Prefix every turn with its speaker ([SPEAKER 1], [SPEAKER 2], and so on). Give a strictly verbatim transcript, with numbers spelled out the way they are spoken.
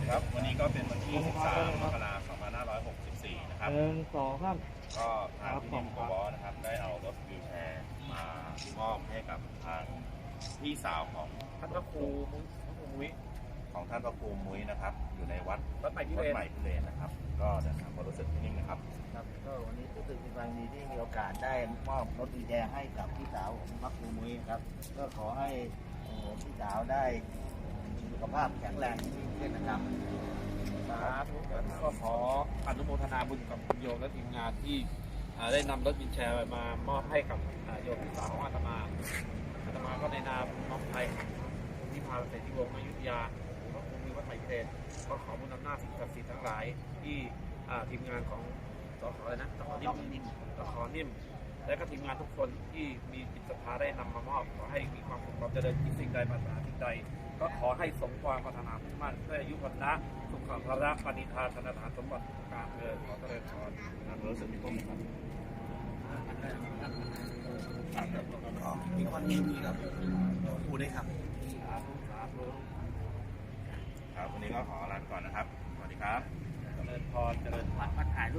[SPEAKER 1] ครับวันนี้ก็เป็นวันที่สิบสามมกราคมสองพันห้าร้อยหกสิบสี่นะครับ
[SPEAKER 2] หนึ่งสองครับ
[SPEAKER 1] ก็ทางพี่นิ่มโกบอสนะครับได้เอารถวีลแชร์มามอบให้กับทางพี่สาวของ
[SPEAKER 2] ท่านพระครูมุ้ยพระครูมุ้ย
[SPEAKER 1] ของท่านพระครูมุ้ยนะครับอยู่ในวัด
[SPEAKER 2] วัดใหม่พิ
[SPEAKER 1] วั
[SPEAKER 2] เร
[SPEAKER 1] ด
[SPEAKER 2] น
[SPEAKER 1] ใหม่พิเรนนะครับ ก็เดินทางความรู้สึกพี่นิ่มนะครับ
[SPEAKER 3] ครับก็วันนี้รู้สึกมีความดีที่มีโอกาสได้มอบรถวีลแชร์ให้กับพี่สาวของพระครูมุ้ยครับก็ขอให้เอ่อพี่สาวได้มีสุขภาพแข็งแรงยิ่งขึ้นนะครับ
[SPEAKER 2] สาธุก็ขออนุโมทนาบุญกับคุณโยมและทีมงานที่อ่าได้นำรถวินแชร์มามอบให้กับอ่าโยมพี่สาวของอาตมาอาตมาก็ในนามน้องไทยที่พาเศรษฐีวงศ์อยุธยาพระครูมุ้ยวัดใหม่พิเรนก็ขอบุญอำนาจสิ่งศักดิ์สิทธิ์ทั้งหลายที่อ่าทีมงานของสขอะไรนะสขนิ่มสขนิ่ม และก็ทีมงานทุกคนที่มีจิตศรัทธาได้นำมามอบขอให้มีความสุขความเจริญที่สิ่งใดปรารถนาสิ่งใดก็ขอให้สมความปรารถนามุ่งมั่นด้วยอายุวันนะสุขภาระปณิธานธนฐานสมบัติทุกการเงินขอเจริญพร
[SPEAKER 1] ทางรู้สึกพี่นิ่มครับ
[SPEAKER 3] มีความยินดีกับครูด้วยครับ
[SPEAKER 2] สาธุสาธุ
[SPEAKER 1] ครับวันนี้ก็ขอลาไปก่อนนะครับสวัสดีครับ
[SPEAKER 2] เจริญพรเจริญพร
[SPEAKER 3] มาถ่ายรูป